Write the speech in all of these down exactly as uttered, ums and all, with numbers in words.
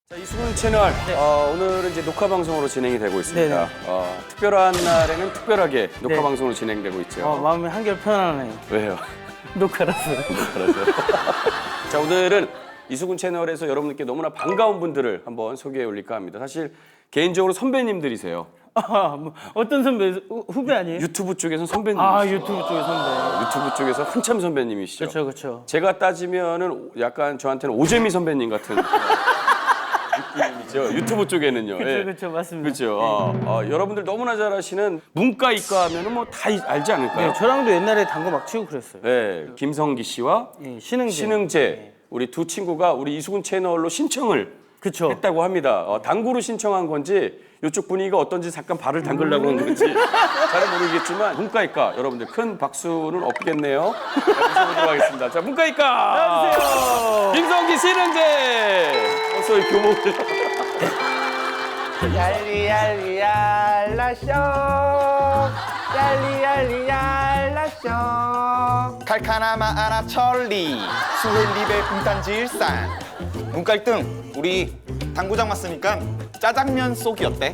자, 이수근 채널 네. 어, 오늘은 이제 녹화 방송으로 진행이 되고 있습니다. 네네. 어, 특별한 날에는 특별하게 녹화 네. 방송으로 진행되고 있죠. 어, 마음이 한결 편안하네요. 왜요? 녹화라서. 알았어요. 자, 오늘은 이수근 채널에서 여러분들께 너무나 반가운 분들을 한번 소개해 올릴까 합니다. 사실 개인적으로 선배님들이세요. 아, 뭐 어떤 선배? 후- 후배 아니에요? 유튜브 쪽에서는 선배님. 아, 유튜브 쪽에 선배. 유튜브 쪽에서 한참 선배님이시죠. 그렇죠, 그렇죠. 제가 따지면은 약간 저한테는 오재미 선배님 같은 느낌이죠. 유튜브 쪽에는요. 그렇죠, 예. 그렇죠, 맞습니다. 그렇죠. 어, 어, 여러분들 너무나 잘 아시는 문과 이과 하면은 뭐 다 알지 않을까요? 네, 저랑도 옛날에 당구 막 치고 그랬어요. 네, 김성기 씨와 예, 신흥재. 신흥재 우리 두 친구가 우리 이수근 채널로 신청을 그렇죠. 했다고 합니다. 어, 당구로 신청한 건지 이쪽 분위기가 어떤지 잠깐 발을 담그려고 한 건지 잘 모르겠지만 문과이과 여러분들 큰 박수는 없겠네요. 자, 모셔보도록 하겠습니다. 자, 문과이과 나와주세요. 김성기 신흥재 어서 이 교목을 얄리얄리얄라쇼 얄리얄리얄라쇼 칼카나마 아라 천리 수헬리베 분탄지 일산 문과 일 등 우리 당구장 왔으니까 짜장면 쏘기 어때?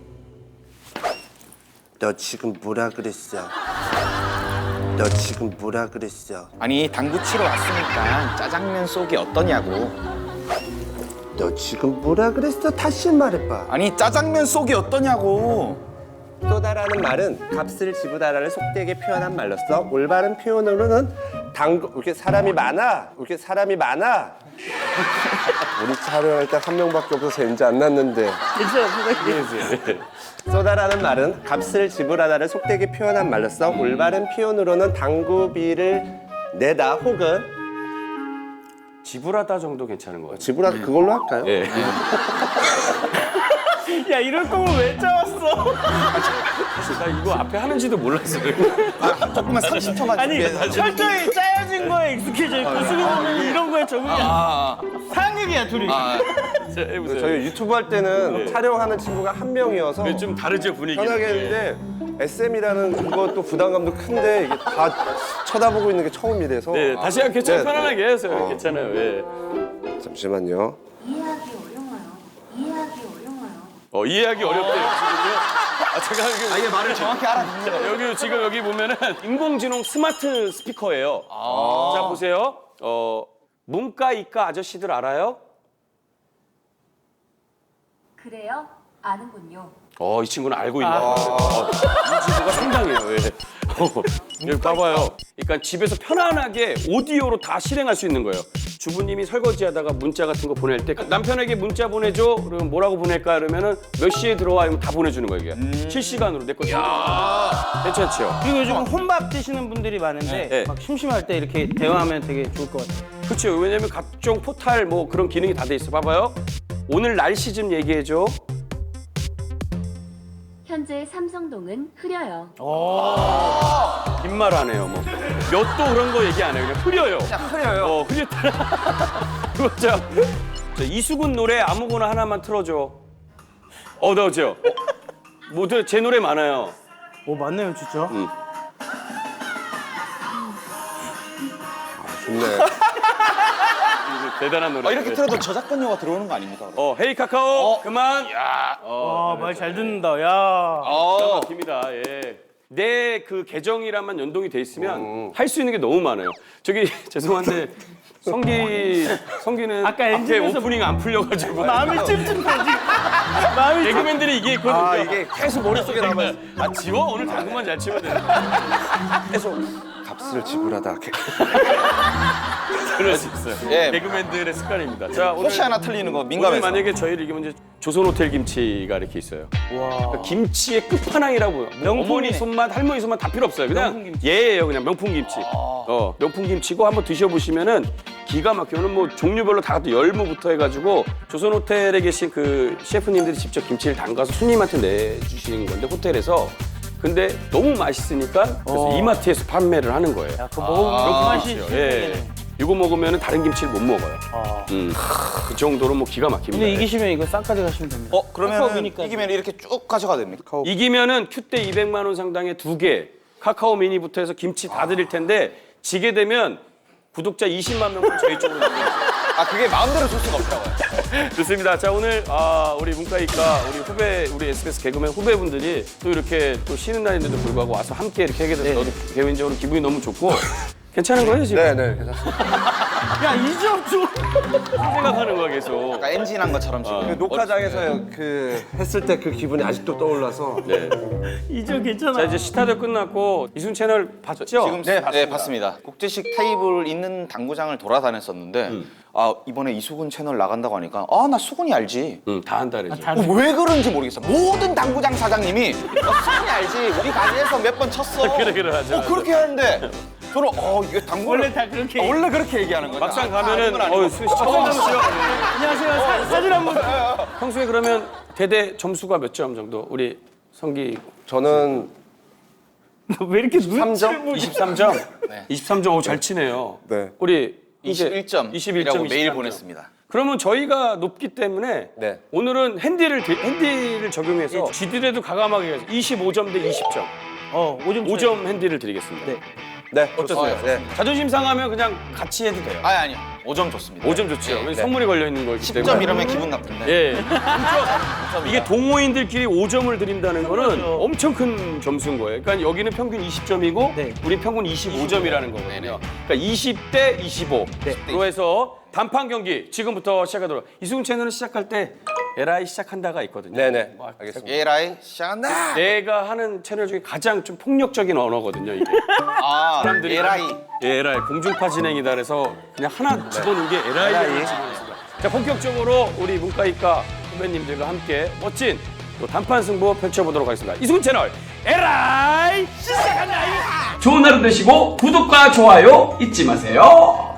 너 지금 뭐라 그랬어? 너 지금 뭐라 그랬어? 아니 당구 치러 왔으니까 짜장면 쏘기 어떠냐고. 너 지금 뭐라 그랬어? 다시 말해봐. 아니 짜장면 쏘기 어떠냐고. 쏘다라는 말은 값을 지불하라를 속되게 표현한 말로써 올바른 표현으로는 당구 이렇게 사람이 많아 이렇게 사람이 많아 우리 촬영할 때 한 명밖에 없어서 재밌지 안 났는데 괜찮아요, 선생님. 쏘다라는 말은 값을 지불하다를 속되게 표현한 말로써 올바른 표현으로는 당구비를 내다 혹은 지불하다 정도 괜찮은 것 같아요. 지불하다 그걸로 할까요? 예. 야, 이럴 거면 왜 짜왔어? 나 이거 앞에 하는지도 몰랐어요. 아, 조금만 삼십 초만 아니, 준비해서. 철저히 짜여진 거에 익숙해져 있고 수빈이는 이런 거에 적응이 안 돼. 아, 상극이야, 둘이. 자, 해보세요. 저희 유튜브 할 때는 촬영하는 친구가 한 명이어서 네, 좀 다르죠 분위기. 편하게 했는데 에스엠이라는 그것도 부담감도 큰데 이게 다 쳐다보고 있는 게 처음이라서 네, 다시 한 괜찮아 네, 편안하게 해서요. 괜찮아요. 예. 잠시만요. 이해하기 어려워요. 이해하기 어려워요. 어, 이해하기 어렵대요 지금요. 아, 제가 여기, 아 이게 말을 정확히 알아듣는 자, 여기 지금 여기 보면은 인공지능 스마트 스피커예요. 자 보세요. 어, 문과 이과 아저씨들 알아요? 그래요? 아는군요. 어, 이 친구는 알고 있나 봐요. 어, 이 친구가 상당해요. 예. 어, 여기 봐봐요. 그러니까 집에서 편안하게 오디오로 다 실행할 수 있는 거예요. 주부님이 설거지하다가 문자 같은 거 보낼 때 남편에게 문자 보내줘. 그러면 뭐라고 보낼까? 그러면은 몇 시에 들어와? 이러면 다 보내주는 거예요. 이게. 실시간으로 내 거. 괜찮죠? 그리고 요즘 혼밥 드시는 분들이 많은데 네. 막 심심할 때 이렇게 대화하면 되게 좋을 것 같아요. 그렇죠. 왜냐면 각종 포탈 뭐 그런 기능이 다 돼 있어. 봐봐요. 오늘 날씨 좀 얘기해줘. 현재 삼성동은 흐려요. 빈말 안 해요. 뭐 몇 도 그런 거 얘기 안 해요. 그냥 흐려요. 그냥 흐려요. 어, 흐렸다. 그거 자, 자, 이수근 노래 아무거나 하나만 틀어줘. 어, 나오죠? 모두 제 노래 많아요. 오, 맞네요, 진짜. 좋네. 대단한 노래. 아, 이렇게 틀어도 저작권료가 들어오는 거 아닙니까? 어, 헤이 카카오. 그만. 야. 어, 와, 말 잘 듣는다, 야. 기가 막힙니다. 예. 내 그 계정이랑만 연동이 돼 있으면 할 수 있는 게 너무 많아요. 저기 죄송한데 성기 성기는 아까 앞에 엔진에서 오프닝 안 풀려가지고 마음이 찜찜해, 지금. 마음이 찜 개그맨들이 이게 있거든요. 아 이게 계속 머릿속에 남아 있어. 아 지워 오늘 당근만 잘 치면 돼. 계속 값을 지불하다. 그럴 수 있어요. 예. 개그맨들의 습관입니다. 자 오늘 혹시 하나 틀리는 거 오늘 민감해서. 만약에 저희를 이기면 이제 조선 호텔 김치가 이렇게 있어요. 와. 김치의 끝판왕이라고 뭐 명품이네. 어머니 손맛, 할머니 손맛 다 필요 없어요. 그냥 명품 김치. 예예요, 그냥 명품 김치. 어 명품 김치고 한번 드셔보시면은 기가 막혀는 뭐 종류별로 다 열무부터 해가지고 조선 호텔에 계신 그 셰프님들이 직접 김치를 담가서 손님한테 내주시는 건데 호텔에서. 근데 너무 맛있으니까 그래서 어. 이마트에서 판매를 하는 거예요. 야, 그거 먹으면 그 맛이 예. 실패네. 이거 먹으면 다른 김치를 못 먹어요. 아. 음, 그 정도로 뭐 기가 막힙니다. 근데 이기시면 이거 싹까지 가시면 됩니다. 어 그러면 카카오미니까. 이기면 이렇게 쭉 가져가도 됩니까? 이기면은 큐대 이백만 원 상당의 두 개, 카카오 미니부터 해서 김치 다 드릴 텐데 지게 되면 구독자 이십만 명은 저희 쪽으로 넘겨주세요. 아 그게 마음대로 줄 수가 없더라고요. 좋습니다. 자 오늘 아, 우리 문과이과 우리 후배 우리 에스비에스 개그맨 후배분들이 또 이렇게 또 쉬는 날인데도 불구하고 와서 함께 이렇게 하게 돼서 저도 개인적으로 기분이 너무 좋고 괜찮은 거예요 지금? 네네 괜찮습니다. 야, 이 점 좀. 생각하는 거야 계속. 아까 엔진한 것처럼 지금. 그 녹화장에서 그 했을 때 그 기분이 아직도 떠올라서 네. 이 점 괜찮아. 자 이제 시타도 끝났고 이순 채널 봤죠? 지금 네 봤습니다. 네, 봤습니다. 국제식 테이블 있는 당구장을 돌아다녔었는데 아 이번에 이수근 채널 나간다고 하니까 아 나 수근이 알지. 응, 다 한다 그래죠. 다- 어, 왜 그런지 모르겠어. 모든 당구장 사장님이 나 수근이 알지. 우리 가게에서 몇 번 쳤어. 그래, 그래, 맞아, 어, 맞아. 그렇게 하는데 저는 어 이게 당구 원래 다 그렇게. 어, 원래 그렇게 얘기하는 거죠. 막상 아, 가면은 아, 어 수- 처음 봤어요. 안녕하세요. 사, 사진 한 번. 평소에 그러면 대대 점수가 몇 점 정도? 우리 성기 저는 왜 이렇게 삼 점? 눈치를 보지? 이십삼 점? 네. 이십삼 점, 오, 잘 치네요. 네. 우리 이제 이십일 점이라고 이십일 점, 메일 이십삼 점. 보냈습니다. 그러면 저희가 높기 때문에 네. 오늘은 핸디를 드- 핸디를 적용해서 지들에도 가감하게 해서 이십오 점 대 이십 점, 어, 오 점. 오 점 핸디를 드리겠습니다. 네. 네 어떠세요? 좋아요. 네. 자존심 상하면 그냥 같이 해도 돼요. 아니 아니요. 오 점 좋습니다. 오 점 좋죠. 네, 왜냐면 네. 선물이 걸려 있는 거기 십 때문에. 점 이러면 기분 나쁜데. 예. 그렇죠. 이게 동호인들끼리 오 점을 드린다는 거는 그렇죠. 엄청 큰 점수인 거예요. 그러니까 여기는 평균 이십 점이고 네. 우리 평균 이십오 점이라는 거거든요. 그러니까 이십 대 이십오. 네. 로 해서 단판 경기 지금부터 시작하도록. 이수근 채널은 시작할 때 에라이 시작한다가 있거든요. 네네 뭐, 알겠습니다. 예라이 시작한다. 내가 하는 채널 중에 가장 좀 폭력적인 언어거든요, 이게. 아 사람들이 예라이. 예, 에라이 공중파 진행이다 그래서 그냥 하나 집어넣은 게 에라이를 집어넣습니다. 자, 본격적으로 우리 문과이과 후배님들과 함께 멋진 또 단판 승부 펼쳐보도록 하겠습니다. 이수근 채널 에라이 시작한다. 좋은 하루 되시고 구독과 좋아요 잊지 마세요.